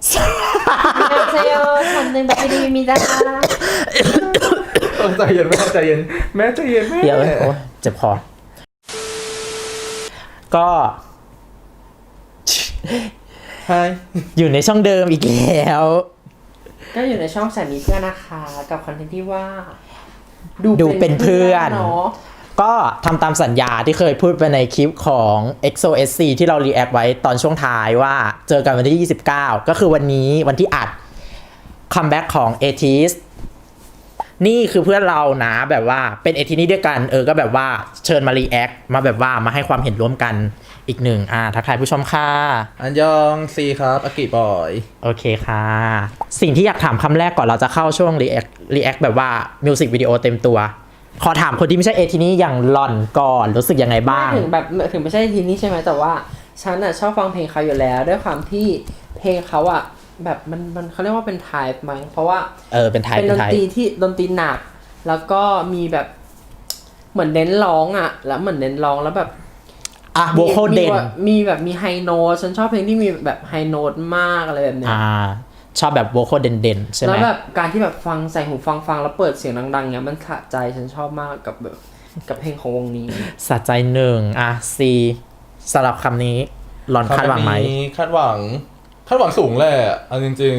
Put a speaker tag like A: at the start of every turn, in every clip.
A: เซโยคนหนึ่งแบบดีมีดา
B: ใจเย็นแม่ใจเย็นแม่ใจเย็นแม่
C: เดี๋ยวโอ้เจ็บคอก็
B: ใช่
C: อยู่ในช่องเดิมอีกแล้ว
A: ก็อยู่ในช่องแสนมีเพื่อนนะคะกับคอนเทนต์ที่ว่า
C: ดูเป็นเพื่อน
A: เนาะ
C: ก็ทำตามสัญญาที่เคยพูดไปในคลิปของ EXO-SC ที่เรารีแอคไว้ตอนช่วงท้ายว่าเจอกันวันที่29ก็คือวันนี้วันที่อัดคัมแบ็กของ ATEEZ นี่คือเพื่อนเรานะแบบว่าเป็น ATEEZ นี่ด้วยกันก็แบบว่าเชิญมารีแอคมาแบบว่ามาให้ความเห็นร่วมกันอีกหนึ่งทักทายผู้ชมค่ะ
B: อันยองซีครับอากิบอย
C: โอเคค่ะ สิ่งที่อยากถามคำแรกก่อนเราจะเข้าช่วงรีแอคแบบว่ามิวสิกวิดีโอเต็มตัวขอถามคนที่ไม่ใช่ ATEEZ นี่อย่างหล่อนก่อนรู้สึกยังไงบ้าง
A: ถึงไม่ใช่ทีนี้ใช่ไหมแต่ว่าฉันชอบฟังเพลงเขาอยู่แล้วด้วยความที่เพลงเขาแบบมันเขาเรียกว่าเป็นไทป์มั้งเพราะว่า
C: เป็นไทป์
A: เป็นดนตรีที่ดนตรีหนักแล้วก็มีแบบเหมือนเน้นร้องแล้วเหมือนเน้นร้องแล้วแบบ
C: โวคอลเด่น
A: มีแบบมีไฮโน้ตฉันชอบเพลงที่มีแบบไฮโน้ตมากอะไรแบบเนี้ย
C: ชอบแบบโวคอลเด่นๆใช่ไหม
A: แล้วแบบการที่แบบฟังใส่หูฟังแล้วเปิดเสียงดังๆเนี้ยมันสะใจฉันชอบมากกับแบบกับเพลงของวงนี้
C: สะใจหนึ่งซีสำหรับคำนี้หลอนคาดหวังไหม
B: คาดหวังสูงแหละเอาจริง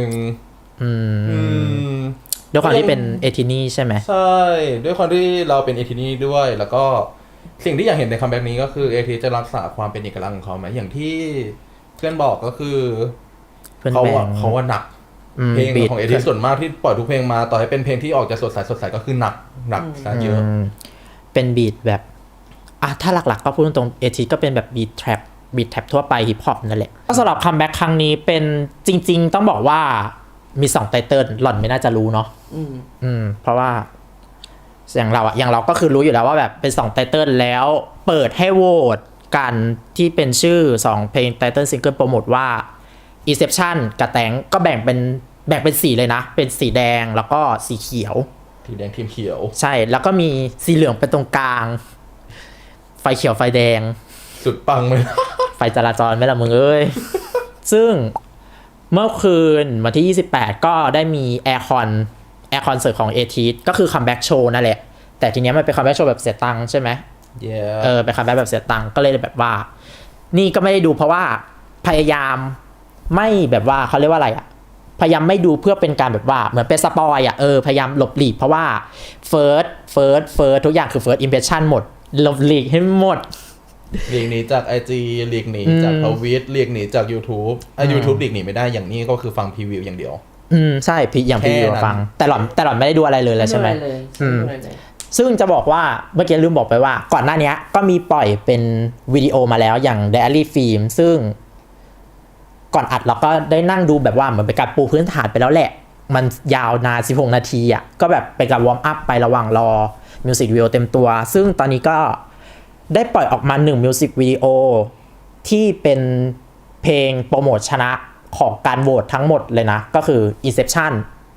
C: ด้วยความที่เป็นATEEZนี่ใช่ไหม
B: ใช่ด้วยความที่เราเป็นATEEZนี่ด้วยแล้วก็สิ่งที่อยากเห็นในคัมแบ็กนี้ก็คือATEEZจะรักษาความเป็นเอกลักษณ์ของเขาไหมอย่างที่เพื่อนบอกก็คือเขาว่าหนักเพลงของATEEZส่วนมากที่ปล่อยทุกเพลงมาต่อให้เป็นเพลงที่ออกจะสดใสก็คือหนักซะเยอะ
C: เป็นบีทแบบถ้าหลักๆก็พูดตรงATEEZก็เป็นแบบบีทแทร็ปทั่วไปฮิปฮอปนั่นแหละก็สำหรับคัมแบ็กครั้งนี้เป็นจริงๆต้องบอกว่ามี2ไตเติ้ลหล่อนไม่น่าจะรู้เนาะเพราะว่าอย่างเราก็คือรู้อยู่แล้วว่าแบบเป็น2ไตเติ้ลแล้วเปิดให้โหวตกันที่เป็นชื่อ2เพลงไตเติ้ลซิงเกิลโปรโมทว่า Inception กับแตงก็แบ่งเป็นสีเลยนะเป็นสีแดงแล้วก็สีเขียว
B: สีแดงทีมเขียว
C: ใช่แล้วก็มีสีเหลืองเป็นตรงกลางไฟเขียวไฟแดง
B: สุดปังเลย
C: ไฟจราจรไม่ละมึงเอ้ย ซึ่งเมื่อคืนวันที่28ก็ได้มีแอร์คอนเสิร์ตของATEEZก็คือคัมแบ็กโชว์นั่นแหละแต่ทีเนี้ยมันเป็นคัมแบ็กโชว์แบบเสียตังค์ใช่ไหม
B: yeah.
C: เป็นคัมแบ็กแบบเสียตังค์ก็เลยแบบว่านี่ก็ไม่ได้ดูเพราะว่าพยายามไม่แบบว่าเขาเรียกว่าอะไรพยายามไม่ดูเพื่อเป็นการแบบว่าเหมือนเป็นสปอยพยายามหลบหลีกเพราะว่าเฟิร์สทุกอย่างคือ first impression หมดหลบหลีกให้หมด
B: หลีกหนีจาก IG หลีกหนีจากทวิตหลีกหนีจาก YouTube YouTube หลีกหนีไม่ได้อย่างนี้ก็คือฟังพรีวิวอย่างเดียว
C: ใช่อย่างพรีวิวฟังแต่หล่อนไม่ได้ดูอะไรเลยแล้วใช่ไหมซึ่งจะบอกว่าเมื่อกี้ลืมบอกไปว่าก่อนหน้านี้ก็มีปล่อยเป็นวิดีโอมาแล้วอย่าง Diary Film ซึ่งก่อนอัดเราก็ได้นั่งดูแบบว่าเหมือนเป็นการปูพื้นฐานไปแล้วแหละมันยาวนาน16นาทีก็แบบเป็นการวอร์มอัพไประหว่างรอมิวสิกวิดีโอเต็มตัวซึ่งตอนนี้ก็ได้ปล่อยออกมา1มิวสิกวิดีโอที่เป็นเพลงโปรโมทชนะของการโหวตทั้งหมดเลยนะก็คือ Inception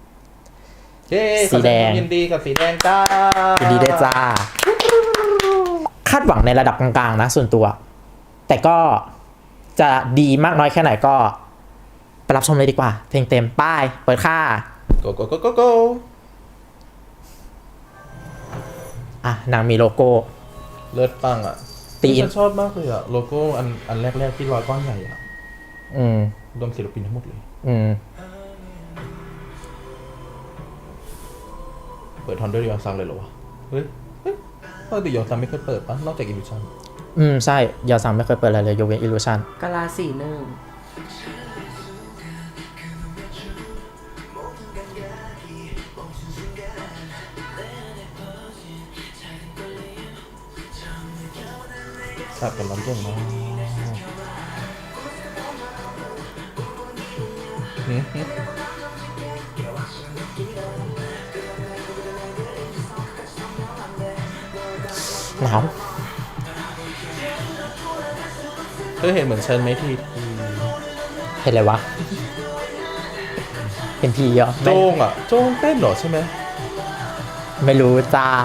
C: สีแดง
B: ยินดีกับสีแดงจ้า
C: ยินดีด้วยจ้าคาดหวังในระดับกลางๆนะส่วนตัวแต่ก็จะดีมากน้อยแค่ไหนก็ไปรับชมเลยดีกว่าเพลงเต็มป้ายเปิดค่า
B: go
C: นางมีโลโก้
B: เลิศปังตีนชอบมากเลยโลโก้อันแรกที่ลอยก้อนใหญ่รวมศิลปินทั้งหมดเลยเปิดทอนด้วยยอนซังเลยเหรอวะเฮ้ยปกติยอนซังไม่เคยเปิดปะนอกจากอิลูชัน
C: ใช่ยอนซังไม่เคยเปิดอะไรเลยยกเว้นอิลูชัน
A: กาลาสีหนึ่ง
B: สับกันร้อนเก่งมาก
C: หนาว
B: เธอเห็นเหมือนฉันไหมที
C: เห็นอะไรวะเห็นทีเยอะ
B: โจ้งเต้นเหรอใช่ไหม
C: ไม่รู้จ้า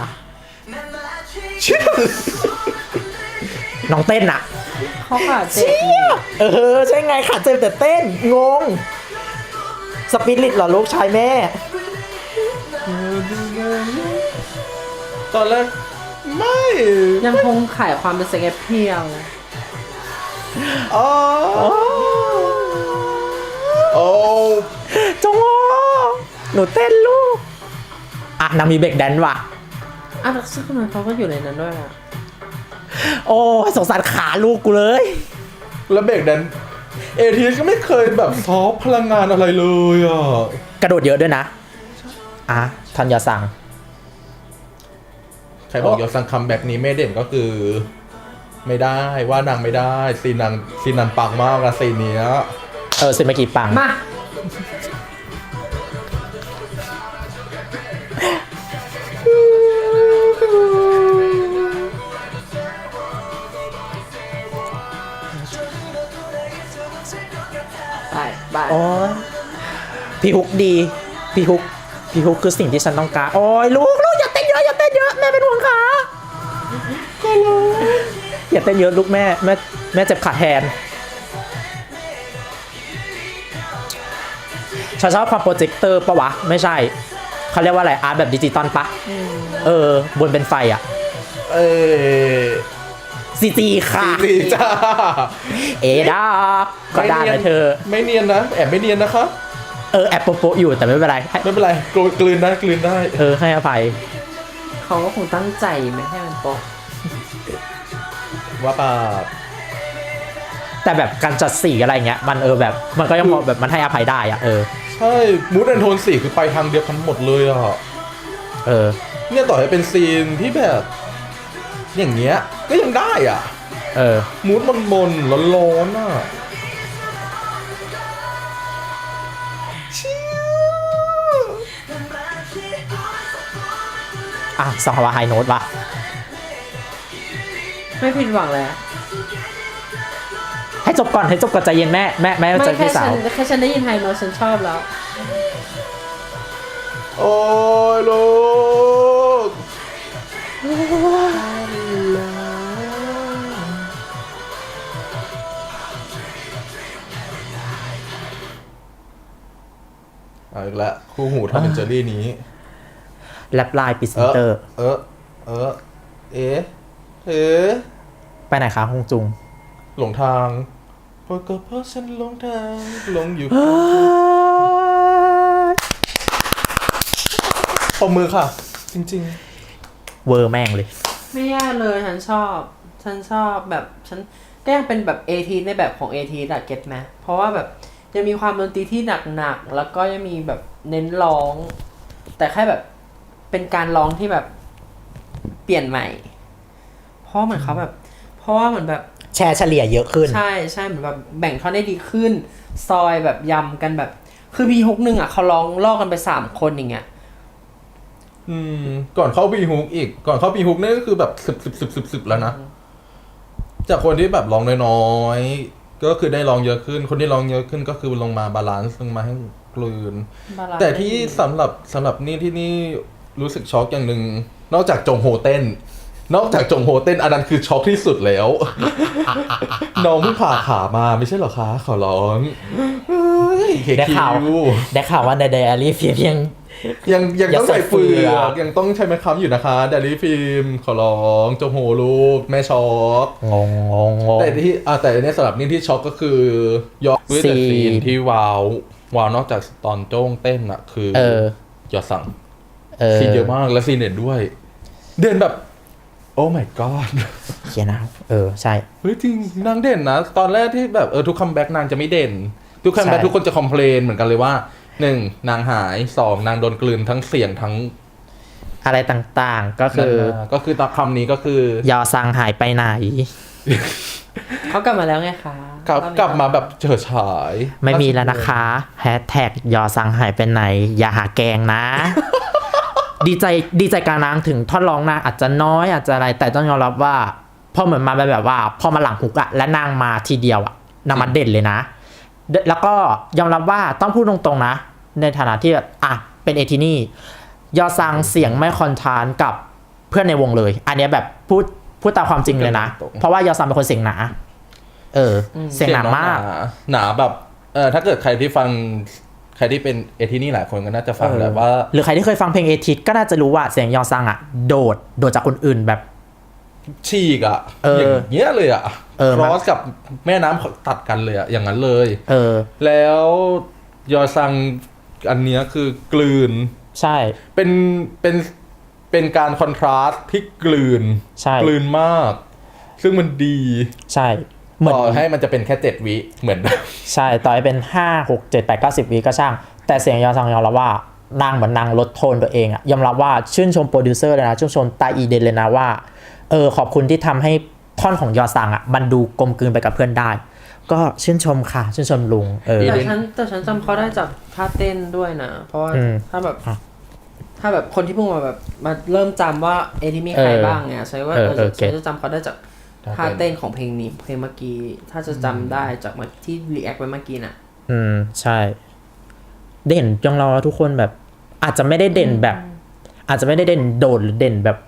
C: น้องเต้น
A: เขาขาเจ็บ
C: ใช่ไงขาเจ็บแต่เต้นงงสปิริตเหรอลูกชายแม่
B: ตอนแรกไม่
A: ยังคงขายความเป็นเซ็กแอปเพียล
B: อ๋อโอ้
C: จงโอหนูเต้นลูกอ่ะนางมีเบรกแดนซ์ว่ะ
A: อ่ะแล้วซึ่งคนนั้นเขาก็อยู่ในนั้นด้วยอ่ะ
C: โอ้ยสงสารขาลูกกูเลย
B: แล้วเบรกแดนเอทีก็ไม่เคยแบบซอฟพลังงานอะไรเลยอ่ะ
C: กระโดดเยอะด้วยนะอ่ะทันยาสั่ง
B: ใครบอกยอดสั่งคัมแบ็กนี้ไม่เด่นก็คือ ไม่ได้ว่านางไม่ได้ซีนนางปังมากอะซีนเนี้ย
C: สิเมื่อกี้ปัง
A: มาไป
C: โอ้ยพี่ฮุกดีพี่ฮุกคือสิ่งที่ฉันต้องการโอ้ยลูกอย่าเต้นเยอะแม่เป็นห่วงขาก็รู้อย่าเต้นเยอะลูกแม่เจ็บขาแทนฉันชอบความโปรเจคเตอร์ปะวะไม่ใช่เขาเรียกว่าอะไรอาร์ตแบบดิจิตอลปะบนเป็นไฟอ่ะซีจีค่ะ
B: ซีจ้า
C: เอดาก็ได้นะเธอ
B: ไม่เนียนนะแอบไม่เนียนนะคะ
C: แอบโปะอยู่แต่ไม่เป็นไร
B: ไม่เป็นไรกลืนได้
C: ให้อภัย
A: เขาก็คงตั้งใจไม่ให้มันโป๊ะ
B: ว่าป่า
C: แต่แบบการจัดสีอะไรเงี้ยมันแบบมันก็ยังพอแบบมันให้อภัยได้อะ
B: ใช่มูดแอนโทนสีคือไปทางเดียวกันหมดเลยอ่ะเนี่ยต่อให้เป็นซีนที่แบบอย่างเงี้ยก็ยังได้อ่ะมูดมนร้อนๆอ่ะ
C: สองฮาวาไฮโน้ตว่ะ
A: ไม่ผิดหวังเลย
C: ให้จบก่อนใจเย็นแม่ใจพี่สาว
A: แค่ฉันได้ยินไฮโน้ตฉันชอบแล้ว
B: โอ้ยลูกอีกแล้วคู่หูทอมและเจอรี่นี้
C: แลปลายปิดเซนเตอร์ไปไหนคะฮงจุง
B: หลงทางเพราะฉันหลงทางหลงอยู่ปมมือค่ะจริง
C: ๆเวอร์แม่งเลย
A: ไม่ยากเลยฉันชอบแบบฉันก็ยังเป็นแบบATในแบบของATอะเก็ตไหมเพราะว่าแบบยังมีความดนตรีที่หนักๆแล้วก็ยังมีแบบเน้นร้องแต่แค่แบบเป็นการร้องที่แบบเปลี่ยนใหม่เพราะเหมือนเขาแบบเพราะว่าเหมือนแบบ
C: แชร์เฉลี่ยเยอะขึ้น
A: ใช่เหมือนแบบแบ่งท่อนได้ดีขึ้นซอยแบบยำกันแบบคือพีฮุกนึงอ่ะเขาร้องลอกกันไป3คนอย่างเงี้ย
B: ก่อนเข้าบีฮุกอีกก่อนเข้าบีฮุกนี่ก็คือแบบสิบแล้วนะจากคนที่แบบร้องน้อยๆก็คือได้ร้องเยอะขึ้นคนที่ร้องเยอะขึ้นก็คือลงมาบาลานซ์ลงมาให้กลืนแต่ที่สำหรับนี่ที่นี่รู้สึกช็อกอย่างหนึ่งนอกจากจงโฮเต้นอันนั้นคือช็อกที่สุดแล้ว น้องเพิ่งผ่าขามาไม่ใช่เหรอคะขอร้อง
C: ได้ข่าวว่าในไดอารี่ฟิล์ม
B: ยังต้องใส่เฟือกยังต้องใช้ไม้ค้ำอยู่นะคะไดอารี่ฟิล์มขอร้องจงโฮลูกแม่ช็อก
C: งง
B: แต่เนี่ยสำหรับนี่ที่ช็อกก็คือยอดด้วยแต่ซีนที่ว้าวนอกจากตอนโจ้งเต้นอะคือยอดสั่งซีนเยอะมากและซีนเด่นด้วยเด่นแบบโอ้ my god
C: เขียนนะใช่
B: เฮ้ยจริงนางเด่นนะตอนแรกที่แบบทุกคัมแบ็กนางจะไม่เด่นทุกคัมแบ็กทุกคนจะคอมเพลนเหมือนกันเลยว่า1นางหาย2นางโดนกลืนทั้งเสียงทั้ง
C: อะไรต่างๆก็
B: คือตามคำนี้ก็คื
C: อยอซังหายไปไหน
A: เขากลับมาแล้วไงคะ
B: กลับมาแบบเฉิดฉาย
C: ไม่มีแล้วนะคะแฮชแท็กยอซังหายไปไหนอย่าหาแกงนะ ดีใจการนางถึงท่อนร้องนางอาจจะน้อยอาจจะอะไรแต่ต้องยอมรับว่าพอเหมือนมาแบบว่าพอมาหลังฮุกอะและนางมาทีเดียวอะนางมาเด่นเลยนะแล้วก็ยอมรับว่าต้องพูดตรงๆนะในฐานะที่แบบเป็นเอทินี่ยอซังเสียงไม่คอนทรานกับเพื่อนในวงเลยอันนี้แบบพูดตามความจริงเลยนะเพราะว่ายอซังเป็นคนเสียงหนาเสียงหนามาก
B: หนาแบบถ้าเกิดใครที่ฟังใครที่เป็นเอทีนี่หลายคนก็น่าจะฟังแบบว่า
C: หรือใครที่เคยฟังเพลงเอทิสก็น่าจะรู้ว่าเสียงยอซังอ่ะโดดจากคนอื่นแบบ
B: ฉีกอ่ะ
C: อย่าง
B: เงี้ยเลยอ่ะ
C: มัน
B: ครอสกับแม่น้ำตัดกันเลยอ่ะอย่างนั้นเลย
C: เออ
B: แล้วยอซังอันเนี้ยคือกลืน
C: ใช่
B: เป็นการคอนทราสต์ที่กลืน
C: ใช่
B: กลืนมาก ซึ่งมันดี
C: ใช่เหมือน
B: ต่อให้มันจะเป็นแค่7 วิเหมือน
C: ใช่ต่อให้เป็น5 6 7 8 9 10วิก็ช่าง แต่เสียงยอซังยอมรับว่านางเหมือนนางลดโทนตัวเองอะยอมรับว่าชื่นชมโปรดิวเซอร์เลยนะชื่นชมตาอีเดนเลยนะว่าขอบคุณที่ทำให้ท่อนของยอซังอะมันดูกลมกลืนไปกับเพื่อนได้ ก็ชื่นชมค่ะชื่นชมลุง
A: แต่ฉันจำเขาได้จากท่าเต้นด้วยนะเพราะว่าถ้าแบบคนที่เพิ่งมาแบบมาเริ่มจำว่าที่มีใครบ้างเนี่ยใช่ว่าฉันจะจำเขาได้จากท่าเต้นของเพลงนี้เพลงเมื่อกี้ถ้าจะจำได้จากที่รีแอคไปเมื่อกี้น่ะ
C: ใช่เด่นจังเราทุกคนแบบอาจจะไม่ได้เด่นแบบ อาจจะไม่ได้เด่นโดดหรือเด่นแบบ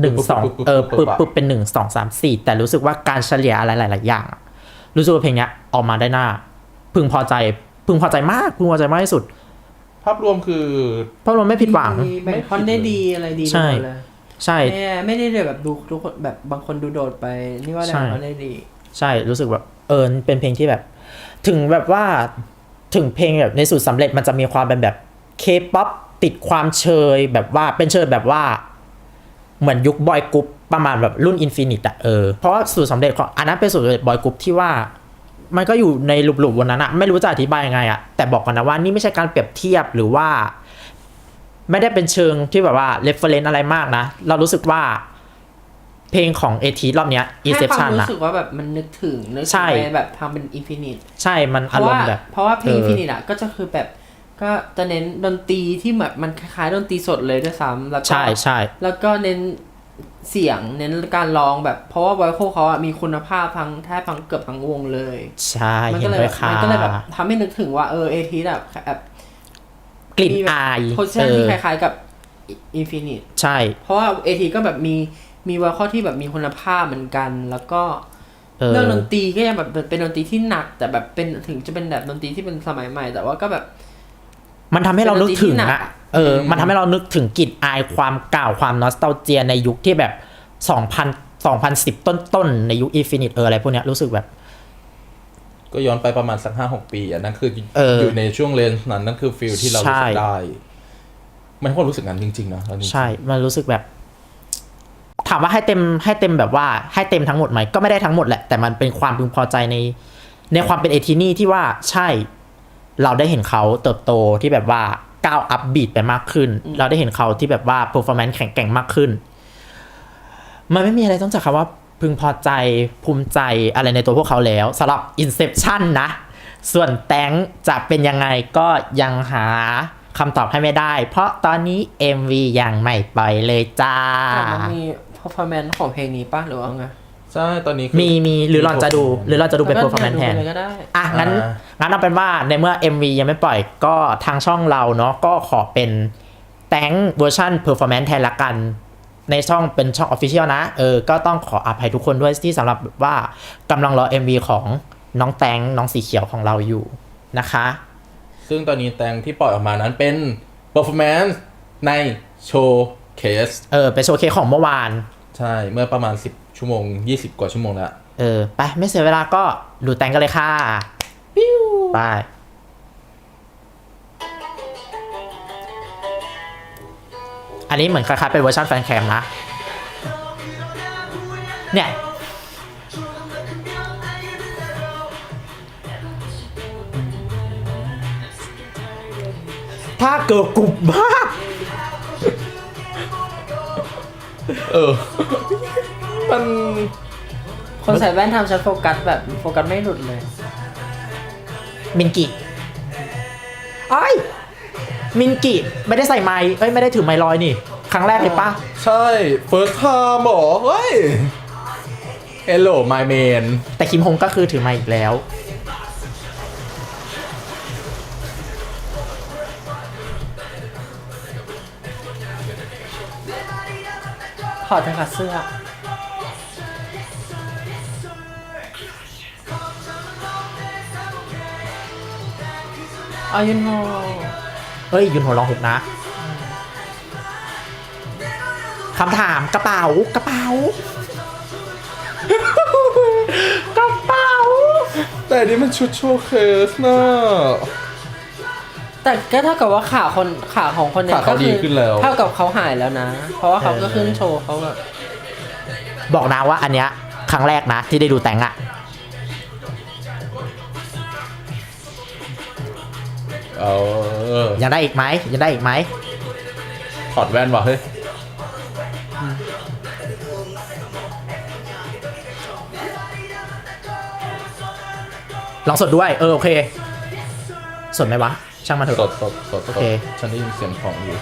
C: 1 2ปึ๊บเป็น1 2 3 4แต่รู้สึกว่าการเฉลี่ยอะไรหลายๆอย่างรู้สึกว่าเพลงนี้ออกมาได้น่าพึงพอใจมากพึงพอใจมากที่สุด
B: ภาพรวมคือ
C: ภาพรวมไม่ผิดหวัง
A: แบ่งคอนได้ดีอะไรดี
C: ใช่ใช่
A: ไม่ได้แบบดูทุกคนแบบบางคนดูโดดไปนี่ว่าแบ่งคอนได้ดี
C: ใช่รู้สึกแบบเป็นเพลงที่แบบถึงแบบว่าถึงเพลงแบบในสูตรสำเร็จมันจะมีความเป็นแบบเคป๊อปติดความเชยแบบว่าเป็นเชยแบบว่าเหมือนยุคบอยกรุ๊ปประมาณแบบรุ่นอินฟินิตอะเพราะว่าสูตรสำเร็จของอันนั้นเป็นสูตรสำเร็จบอยกรุ๊ปที่ว่ามันก็อยู่ในหลุมๆวันนั้นอะไม่รู้จะอธิบายยังไงอะแต่บอกกันนะว่านี่ไม่ใช่การเปรียบเทียบหรือว่าไม่ได้เป็นเชิงที่แบบว่าเรฟเฟอเรนซ์อะไรมากนะเรารู้สึกว่าเพลงของเอทีรอบเนี้ย Inception
A: นะรู้สึกว่าแบบมันนึกถึงแบบทำเป็นอินฟินิต
C: ใช่มันอารมณ์แบบ
A: เพราะว่าเพลงอินฟินิตอะก็จะคือแบบก็จะเน้นดนตรีที่แบบมันคล้ายๆดนตรีสดเลยด้วยซ้ำแล้วก็
C: ใช่
A: แล้วก็เน้นเสียงเน้นการร้องแบบเพราะว่าไวโคเขาอะมีคุณภาพทั้งแทบทั้งเกือบทั้งวงเลย
C: ใช่
A: มันก็เลยแบบทำให้นึกถึงว่าเอทีแบบ
C: กลิ่นอาย
A: โพสชั่นที่คล้ายๆกับอินฟินิต
C: ใช่
A: เพราะว่าเอทีก็แบบมีไวโคที่แบบมีคุณภาพเหมือนกันแล้วก็เรื่องดนตรีก็ยังแบบเป็นดนตรีที่หนักแต่แบบเป็นถึงจะเป็นแบบดนตรีที่เป็นสมัยใหม่แต่ว่าก็แบบ
C: มันทำให้เรานึกถึงอะมันทำให้เรานึกถึงกลิ่นอายความเก่าความนอสตัลเจียในยุคที่แบบ2010ต้นในยุคอินฟินิตอะไรพวกเนี้ยรู้สึกแบบ
B: ก็ย้อนไปประมาณสัก 5-6 ปีอ่ะนั่นคืออยู่ในช่วงเลนส์นั้นนั่นคือฟีลที่เรารู้สึกได้มันก็รู้สึกงั้นจริงๆนะ
C: ใช่มันรู้สึกแบบถามว่าให้เต็มแบบว่าให้เต็มทั้งหมดไหมก็ไม่ได้ทั้งหมดแหละแต่มันเป็นความพึงพอใจในความเป็นเอทีนี่ที่ว่าใช่เราได้เห็นเขาเติบโตที่แบบว่าก้าวอัพบีทไปมากขึ้นเราได้เห็นเขาที่แบบว่าเพอร์ฟอร์แมนซ์แข็งแกร่งมากขึ้นมันไม่มีอะไรต้องจากคำว่าพึงพอใจภูมิใจอะไรในตัวพวกเขาแล้วสำหรับ Inception นะส่วนแตงจะเป็นยังไงก็ยังหาคำตอบให้ไม่ได้เพราะตอนนี้ MV ยังไม่ปล่อยเลยจ้า
A: มันมี performance ของเพลงนี้ป่ะหรือว่าไง
B: ใช่ตอนนี้
C: มีหรือเราจะดูเป็น performance แทนงั้นเอาเป็นว่าในเมื่อ MV ยังไม่ปล่อยก็ทางช่องเราเนาะก็ขอเป็นแตงเวอร์ชัน performance แทนละกันในช่องเป็นช่อง official นะก็ต้องขออภัยทุกคนด้วยที่สำหรับว่ากำลังรอ MV ของน้องแตงน้องสีเขียวของเราอยู่นะคะ
B: ซึ่งตอนนี้แตงที่ปล่อยออกมานั้นเป็น performance ในโชว์เคส
C: เป็นโชว์เคสของเมื่อวาน
B: ใช่เมื่อประมาณ10 ชั่วโมง20 กว่าชั่วโมงแล้ว
C: ไปไม่เสียเวลาก็ดูแตงกันเลยค่ะปิ้วไปอันนี้เหมือนคล้ายๆเป็นเวอร์ชันแฟนแคมนะเนี่ยถ้าเกิดกลุ่มมาก
B: มัน
A: คนใส่แว่นทำฉันโฟกัสแบบโฟกัสไม่หลุดเลย
C: มินกิมินกิไม่ได้ใส่ไมค์ไม่ได้ถือไมค์ลอยนี่ครั้งแรกเลยปะ
B: ใช่ first time หรอเฮ้ย hello my man
C: แต่คิมฮงก็คือถือไมค์อีกแล้ว
A: ถอดจากเสื้ออายุนโฮ
C: เฮ้ยยุนโฮร้องฮุกนะคำถามกระเป๋ากระเป๋า กระเป๋า
B: แต่อันนี้มันชุดโชว์เคสนะ
A: แต่ก็เท่ากับว่าขาของคนเนี่ย
B: ขาเขาดีขึ้นแล้ว
A: เท่ากับเขาหายแล้วนะ เพราะว่าเขาก็ขึ้นโชว์เขาแบบ
C: บอกนะว่าอันเนี้ยครั้งแรกนะที่ได้ดูแต่งอะ ยังได้อีกไหมยังได้อีกไหม
B: ถอดแว่นว่ะเฮ้ย
C: ลองสดด้วยโอเคสดไหมวะช่างมันเถ
B: ส
C: อะ
B: ด
C: โอเค
B: ฉันได้ยินเสียงของอยู่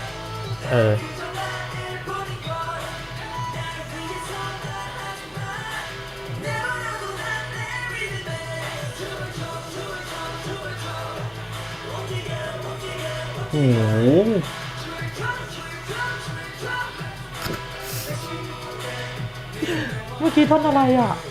B: โอ้โห
C: เมื่อกี้ท่อนอะไรอ่ะ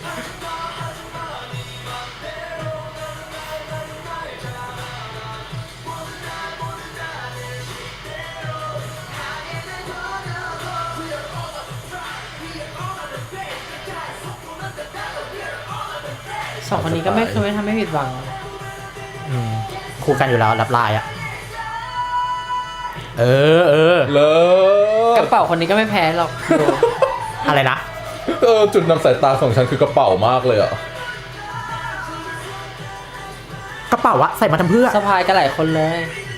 A: สองคนนี้ก็ไม่เคยทำให้ผิดหวัง
C: คู่กันอยู่แล้วรับลายอ่ะเออ
B: เลิ
A: ก
B: ศ
A: ระเป๋าคนนี้ก็ไม่แพ้หรอกดู
C: อะไรนะ
B: จุดนำสายตาของฉันคือกระเป๋ามากเลยอ่ะ
C: กระเป๋าอะใส่มาทำเพื่อ
A: สะพายกันหลายคนเลย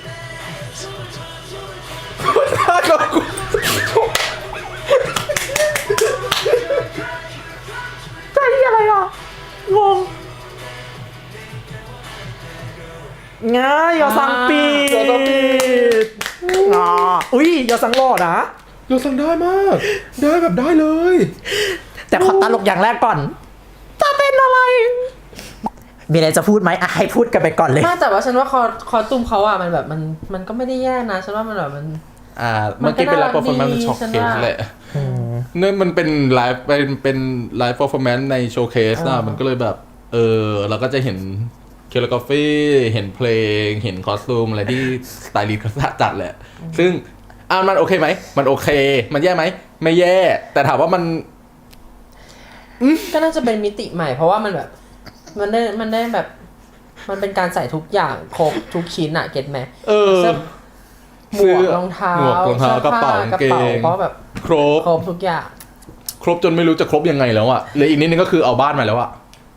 C: ใจอะไรอ่ะงงง่ายยอสังปีด
B: ยอซังปีด
C: อุ้ยยอสังหล่อนะ
B: เราสั่งได้มาก ได้แบบได้เลย
C: แต่ขอตลกอย่างแรกก่อนจะเป็นอะไร มีอะไรจะพูดไหมอ่ะให้พูดกันไปก่อนเลย
A: ไม่แต่ว่าฉันว่าคอตุ้มเขาอะมันแบบมันก็ไม่ได้แย่นะฉันว่ามันแบบมัน
B: เมื่อกี้เป็นไลฟ์เปอร์ฟอร์แมนซ์ช็อคเคสแหละเนี่ยมันเป็นไลฟ์เป็นไลฟ์เปอร์ฟอร์แมนซ์ในโชว์เคสนะมันก็เลยแบบเราก็จะเห็นเคโรกราฟีเห็นเพลงเห็นคอสตูมอะไรที่สไตลิสต์เขาจัดแหละ ซึ่งมันโอเคไหมมันโอเค มันแย่ไหมไม่แย่ แต่ถามว่ามัน
A: ก็น่าจะเป็นมิติใหม่เพราะว่ามันแบบมันได้แบบมันเป็นการใส่ทุกอย่างครบทุกชิ้นอะเก็ตไหมหมวกรองเท้า
B: หมวกรองเท้ากระเป๋ากางเกง
A: เพราะแบบ
B: ครบ
A: ทุกอย่าง
B: ครบจนไม่รู้จะครบยังไงแล้วอะเลยอีกนิดนึงก็คือเอาบ้านมาแล้วอะ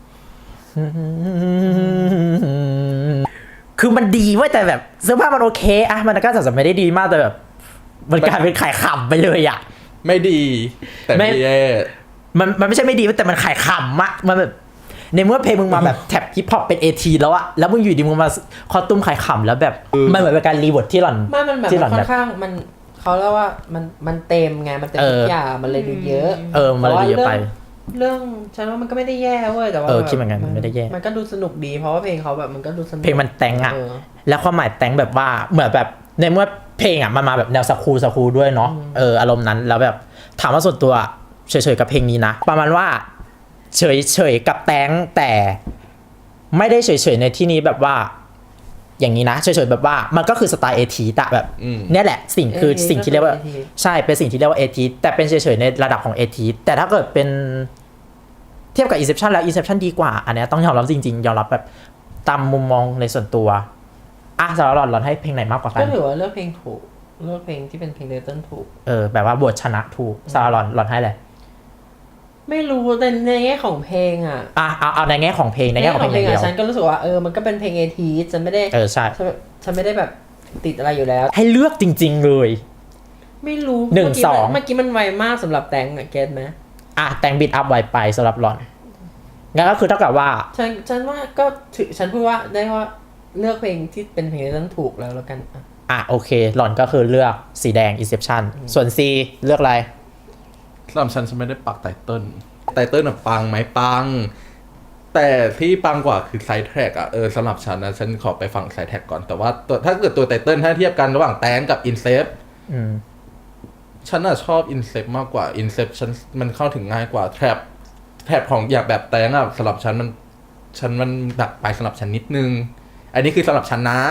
C: คือมันดีเว้ยแต่แบบเสื้อผ้ามันโอเคอะมันก็จะไม่ได้ดีมากแต่แบบมันกลายเป็นขายขำไปเลยอะ
B: ไม่ดี แต่ไม่แย่
C: มันไม่ใช่ไม่ดีแต่มันขายขำอะมันแบบในเมื่อเพลงมึงมาแบบแท็บฮิปฮอปเป็นATแล้วอะแล้วมึงอยู่ดีมึงมาคอตุ้มขายขำแล้วแบบมันเหมือนเป็นการรีเวิร์ดที่หล่อน
A: มันแบบค่อนข้างเขาเรียกว่ามันเต็มไงมันเต็มทุกอย่างมันเลยดูเยอะ
C: มันเลยเยอะไป
A: เรื่องฉันว่ามันก็ไม่ได้แย่เว้ยแต่ว่า
C: คิดเหมือนกันมันไม่ได้แย่
A: มันก็ดูสนุกดีเพราะว่าเพลงเขาแบบมันก็ดูสนุก
C: เพลงมันแต่งอะแล้วความหมายแต่งแบบว่าเหมือนแบบในเมื่อเพลงอะมันมาแบบแนวสคูลด้วยเนาะอารมณ์นั้นแล้วแบบถามว่าส่วนตัวเฉยๆกับเพลงนี้นะประมาณว่าเฉยๆกับแต่งแต่ไม่ได้เฉยๆในที่นี้แบบว่าอย่างนี้นะเฉยๆแบบว่ามันก็คือสไตล์ATแต่แบบเนี่ยแหละสิ่งที่เรียกว่าใช่เป็นสิ่งที่เรียกว่าATแต่เป็นเฉยๆในระดับของATแต่ถ้าเกิดเป็นเทียบกับ Inception แล้ว Inception ดีกว่าอันนี้ต้องยอมรับจริงๆยอมรับแบบตามมุมมองในส่วนตัวสำหรับหล่อนให้เพลงไหนมากกว่ากัน
A: ก็ถือว่าเลือกเพลงถูกเลือกเพลงที่เป็นเพลงเดตันถูก
C: แบบว่าบทชนะถูกสำหรับหล่อนให้เลย
A: ไม่รู้แต่ในแง่ของเพลงอะ
C: เอาในแง่ของเพลงในแง่ของเพลงอย่างเดียว
A: ฉันก็รู้สึกว่ามันก็เป็นเพลงATฉันไม่ได้
C: ใช่
A: ฉันไม่ได้แบบติดอะไรอยู่แล้ว
C: ให้เลือกจริงๆเลย
A: ไม่รู้
C: 1-2
A: เมื่อกี้มันไวมากสำหรับแตงอะเก็ตไหม
C: แตงบิดอัพไวไปสำหรับหล่อนงั้นก็คือเท่ากับว่า
A: ฉันว่าก็ฉันพูดว่าได้ว่าเลือกเพลงที่เป็นเพลงนั้นถูกแล้วกัน
C: โอเคหล่อนก็คือเลือกสีแดง Inception ส่วน C เลือกอะไร
B: สำหรับฉันไม่ได้ปักไตเติ้ลปังไหมปังแต่ที่ปังกว่าคือไซด์แทร็กสำหรับฉันนะฉันขอไปฟังไซด์แทร็กก่อนแต่ว่าถ้าเกิดตัวไตเติ้ลถ้าเทียบกันระหว่างแตงกับอินเซปฉันชอบอินเซปมากกว่าอินเซปมันเข้าถึงง่ายกว่าแทร็บของอยากแบบแตงสำหรับฉันมันหนักไปสำหรับฉันนิดนึงอันนี้คือสำหรับฉันนะ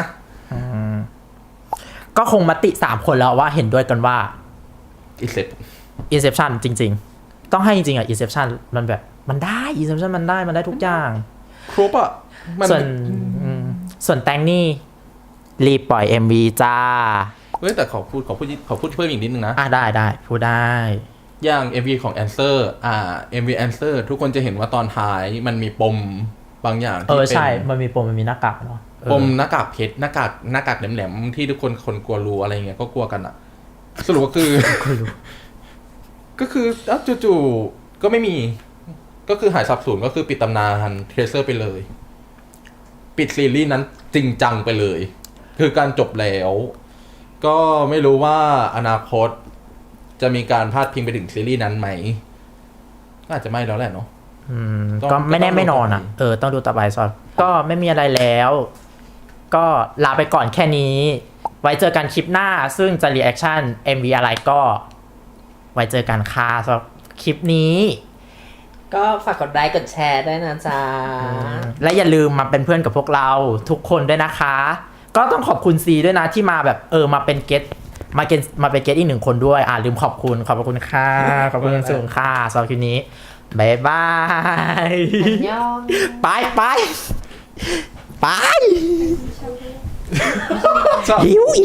C: ก็คงมติ3คนแล้วว่าเห็นด้วยกันว่า
B: อีเซ็ต
C: Inception จริงๆ ต้องให้จริงๆอ่ะ Inception มันแบบมันได้ Inception มันได้ทุกอย่าง
B: ครบอ่ะมัน
C: ส่วนแตงนี่รีบปล่อย MV จ้า
B: เฮ้ยแต่ขอพูดเพิ่มอีกนิดนึงนะ
C: ได้พูดได้
B: อย่าง MV ของ Answer MV Answer ทุกคนจะเห็นว่าตอนท้ายมันมีปมบางอย่างที่เป็น
C: ใช่ มันมีปมมันมีหน้ากากเนาะ
B: ปมหน้ากากเพชรหน้ากากแหลมๆที่ทุกคนกลัวรู้อะไรเงี้ยก็กลัวกันอ่ะ สรุปก็คือ ก็คือจู่ๆก็ไม่มี ก็คือหายสับสูญก็คือปิดตำนานเทรเซอร์ไปเลย ปิดซีรีส์นั้นจริงจังไปเลย คือการจบแล้ว ก็ไม่รู้ว่าอนาคตจะมีการพาดพิงไปถึงซีรีส์นั้นไหมก็อาจจะไม่แล้วแหละเนาะ
C: ก็ไม่แน่ไม่นอนอ่ะต้องดูต่อไปซอก็ไม่มีอะไรแล้ว ก็ลาไปก่อนแค่นี้ ไว้เจอกันคลิปหน้าซึ่งจะรีแอคชั่น MV อะไรก็ ไว้เจอกันค่ะสำหรับคลิปนี้
A: ก็ฝากกดไลค์กดแชร์ด้วยนะจ๊ะ
C: และอย่าลืมมาเป็นเพื่อนกับพวกเราทุกคนด้วยนะคะ ก็ต้องขอบคุณซีด้วยนะที่มาแบบมาเป็นเกสมาเป็นเกสอีก1คนด้วยลืมขอบคุณค่ะขอบคุณสูงค่ะสำหรับคลิปนี้บ๊ายบาย
A: อันยอง
C: ไปหิว